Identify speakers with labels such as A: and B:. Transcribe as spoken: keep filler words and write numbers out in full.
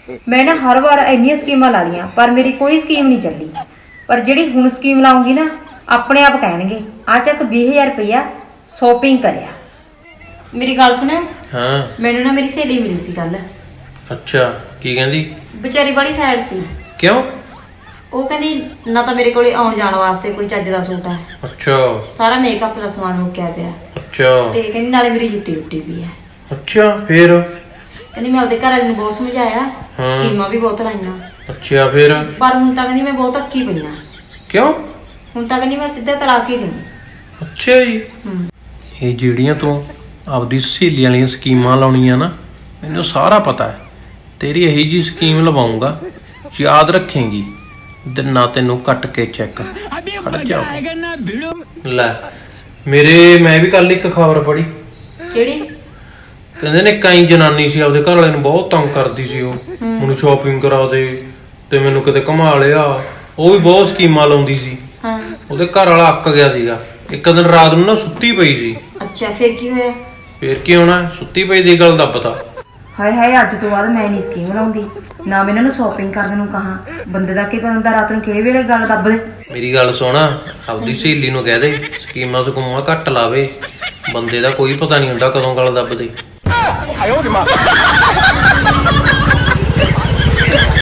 A: मैं ना हर बार इन्नियां स्कीमां ला लियां पर मेरी कोई स्कीम नहीं चली। पर जिहड़ी हुण स्कीम लाऊंगी ना अपने आप कहणगे आ चक बीस हज़ार रुपया शॉपिंग करिया। मेरी गल सुनो।
B: हाँ
A: मैनू ना मेरी सहेली मिली सी कल।
B: अच्छा की कहंदी?
A: बेचारी बड़ी सैड सी।
B: क्यों?
A: ਉਹ ਕਹਿੰਦੀ ਨਾ ਤਾਂ ਮੇਰੇ ਕੋਲੇ ਆਉਣ ਜਾਣ ਵਾਸਤੇ ਕੋਈ ਚੱਜ ਦਾ ਸੂਟ ਹੈ।
B: ਅੱਛਾ
A: ਸਾਰਾ ਮੇਕਅਪ ਦਾ ਸਮਾਨ ਮੁੱਕਿਆ ਪਿਆ।
B: ਅੱਛਾ
A: ਤੇ ਕਹਿੰਦੀ ਨਾਲੇ ਮੇਰੀ ਜੁੱਤੀ ਟੁੱਟੀ ਪਈ ਹੈ।
B: ਅੱਛਾ ਫੇਰ?
A: ਕਹਿੰਦੀ ਮੈਂ ਉਹਦੇ ਘਰ ਵਾਲੇ ਨੂੰ ਬਹੁਤ ਸਮਝਾਇਆ, ਸਕੀਮਾਂ ਵੀ ਬਹੁਤ ਲਾਈਆਂ।
B: ਅੱਛਾ ਫੇਰ?
A: ਪਰ ਹੁਣ ਤਾਂ ਕਹਿੰਦੀ ਮੈਂ ਬਹੁਤ ਅੱਕੀ ਪਈ ਆ।
B: ਕਿਉਂ?
A: ਹੁਣ ਤਾਂ ਕਹਿੰਦੀ ਮੈਂ ਸਿੱਧਾ ਤਲਾਕ ਹੀ ਦੂੰ।
B: ਅੱਛਾ ਜੀ। ਇਹ ਜਿਹੜੀਆਂ ਤੂੰ ਆਪਦੀ ਸਹੇਲੀ ਵਾਲੀਆਂ ਸਕੀਮਾਂ ਲਾਉਣੀਆਂ ਨਾ ਮੈਨੂੰ ਸਾਰਾ ਪਤਾ ਹੈ। ਤੇਰੀ ਇਹੀ ਜੀ ਸਕੀਮ ਲਵਾਉਂਗਾ ਯਾਦ ਰੱਖੇਂਗੀ। ਦਿਨਾਂ ਤੈਨੂੰ ਕੱਟ ਕੇ ਚੈੱਕ ਖੜ ਜਾ ਲੈ। ਮੇਰੇ ਮੈਂ ਵੀ ਕੱਲ ਇੱਕ ਖਬਰ ਪੜ੍ਹੀ।
A: ਕਿਹੜੀ?
B: ਕਹਿੰਦੇ ਨੇ ਕਈ ਜਨਾਨੀ ਸੀ ਆਪਦੇ ਘਰ ਵਾਲੇ ਨੂੰ ਬਹੁਤ ਤੰਗ ਕਰਦੀ ਸੀ। ਉਹ ਮੈਨੂੰ ਸ਼ਾਪਿੰਗ ਕਰਾ ਦੇ ਤੇ ਮੈਨੂੰ ਕਿਤੇ ਘੁਮਾ ਲਿਆ। ਉਹ ਵੀ ਬਹੁਤ ਸਕੀਮਾਂ ਲਾਉਂਦੀ ਸੀ।
A: ਹਾਂ
B: ਉਹਦੇ ਘਰ ਵਾਲਾ ਅੱਕ ਗਿਆ ਸੀਗਾ। ਇੱਕ ਦਿਨ ਰਾਤ ਨੂੰ ਨਾ ਸੁੱਤੀ ਪਈ ਸੀ।
A: ਅੱਛਾ ਫਿਰ ਕੀ ਹੋਇਆ?
B: ਫੇਰ ਕੀ ਹੋਣਾ, ਸੁੱਤੀ ਪਈ ਦੀ ਗੱਲ ਦਾ ਪਤਾ।
A: ਹਾਏ ਹਾਏ ਅੱਜ ਤੋਂ ਬਾਅਦ ਮੈਂ ਨਹੀਂ ਸਕੀਮ ਲਾਉਂਦੀ ਨਾ। ਮੈਂ ਇਹਨਾਂ ਨੂੰ ਸ਼ਾਪਿੰਗ ਕਰਨ ਨੂੰ ਕਹਾਂ। ਬੰਦੇ ਦਾ ਕੀ ਪਤਾ ਹੁੰਦਾ ਰਾਤ ਨੂੰ ਕਿਹੜੇ ਵੇਲੇ ਗੱਲ ਦੱਬ ਦੇ।
B: ਮੇਰੀ ਗੱਲ ਸੁਣ, ਆਪਦੀ ਸਹੇਲੀ ਨੂੰ ਕਹਿ ਦੇ ਸਕੀਮਾਂ ਸਕੂਮਾਂ ਘੱਟ ਲਾਵੇ। ਬੰਦੇ ਦਾ ਕੋਈ ਪਤਾ ਨਹੀਂ ਹੁੰਦਾ ਕਦੋਂ ਗੱਲ ਦੱਬ ਦੇ।